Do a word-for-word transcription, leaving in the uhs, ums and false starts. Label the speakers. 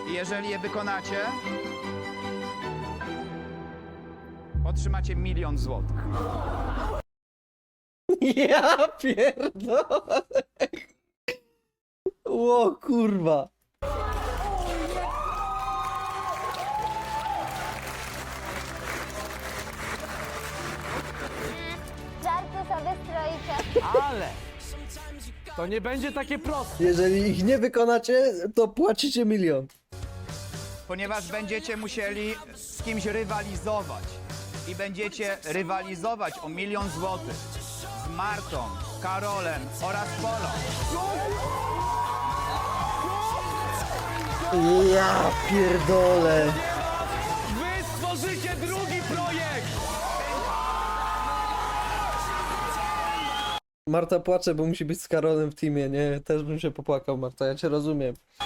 Speaker 1: I jeżeli je wykonacie, otrzymacie milion złotych.
Speaker 2: Ja pierdolę. O kurwa.
Speaker 3: Żarty sobie stroicie.
Speaker 4: Ale to nie będzie takie proste.
Speaker 2: Jeżeli ich nie wykonacie, to płacicie milion.
Speaker 1: Ponieważ będziecie musieli z kimś rywalizować. I będziecie rywalizować o milion złotych z Martą, Karolem oraz Polą.
Speaker 2: Ja pierdolę.
Speaker 4: Wy stworzycie drugi projekt!
Speaker 2: Marta płacze, bo musi być z Karolem w teamie, nie? Też bym się popłakał, Marta, ja cię rozumiem.